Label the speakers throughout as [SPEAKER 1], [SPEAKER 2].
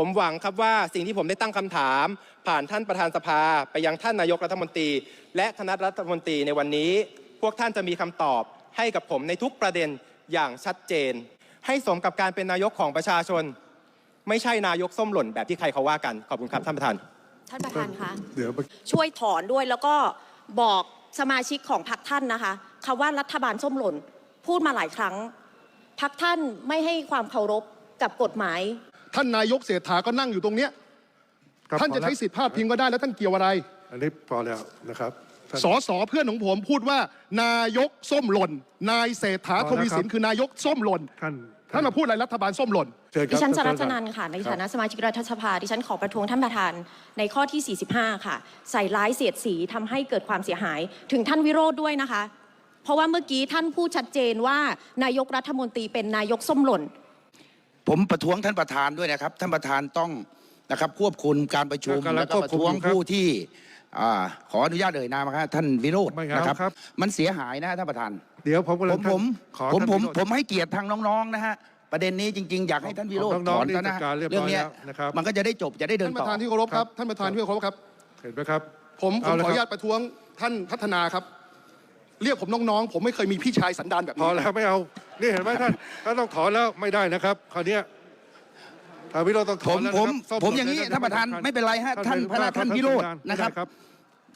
[SPEAKER 1] ผมหวังครับว่าสิ่งที่ผมได้ตั้งคำถามผ่านท่านประธานสภาไปยังท่านนายกรัฐมนตรีและคณะรัฐมนตรีในวันนี้พวกท่านจะมีคำตอบให้กับผมในทุกประเด็นอย่างชัดเจนให้สมกับการเป็นนายกของประชาชนไม่ใช่นายกส้มหล่นแบบที่ใครเขาว่ากันขอบคุณครับท่านประธาน
[SPEAKER 2] ท่านประธานคะช่วยถอนด้วยแล้วก็บอกสมาชิกของพรรคท่านนะคะคำว่ารัฐบาลส้มหล่นพูดมาหลายครั้งพรรคท่านไม่ให้ความเคารพกับกฎหมาย
[SPEAKER 3] ท่านนายกเศรษฐาก็นั่งอยู่ตรงเนี้ยท่านจะใช้สิทธิพาดพิงก็ได้แล้วท่านเกี่ยวอะไร
[SPEAKER 4] อันนี้พอแล้วนะครับ
[SPEAKER 3] สสเพื่อนของผมพูดว่านายกส้มหล่นนายเศรษฐาทวีสินคือนายกส้มหล่นท่านมาพูดอะไรรัฐบาลส้มหล่น
[SPEAKER 2] ดิฉันจรัชนันท์ค่ะในฐานะสมาชิกรัฐสภาดิฉันขอประท้วงท่านประธานในข้อที่ 45 ค่ะใส่ร้ายเสียดสีทำให้เกิดความเสียหายถึงท่านวิโรจน์ด้วยนะคะเพราะว่าเมื่อกี้ท่านพูดชัดเจนว่านายกรัฐมนตรีเป็นนายกส้มหล่น
[SPEAKER 5] ผมประท้วงท่านประธานด้วยนะครับท่านประธานต้องนะครับควบคุมการประชุมแล้วก็ประท้วงผู้ที่ขออนุญาตเอ่ยนามครับท่านวิโรจน์นะครับมันเสียหายนะท่านประธาน
[SPEAKER 4] เดี๋ยว
[SPEAKER 5] ผมให้เกียรติทางน้องๆนะฮะประเด็นนี้จริงๆอยากให้ท่านวิโรจน์ถอนนะเรื่องนี้มันก็จะได้จบจะได้เดินต่อ
[SPEAKER 3] ท่านประธานที่เคารพครับท่านประธานที่เคารพครับ
[SPEAKER 4] เห็นไหมครับ
[SPEAKER 3] ผมขออนุญาตประท้วงท่านพัฒนาครับเรียกผมน้องๆผมไม่เคยมีพี่ชายสันดานแบบนี้
[SPEAKER 4] พอแล้วไม่เอานี่เห็นไหมท่านต้องถอนแล้วไม่ได้นะครับคราวนี้วิโรจน์ต้องถอนแล้ว
[SPEAKER 5] ผมอย่างนี้ท่านประธานไม่เป็นไรฮะท่านวิโรจน์นะครับ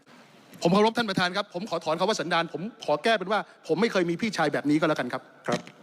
[SPEAKER 3] ผมเคารพท่านประธานครับผมขอถอนคำว่าสันดานผมขอแก้เป็นว่าผมไม่เคยมีพี่ชายแบบนี้ก็แล้วกันครับ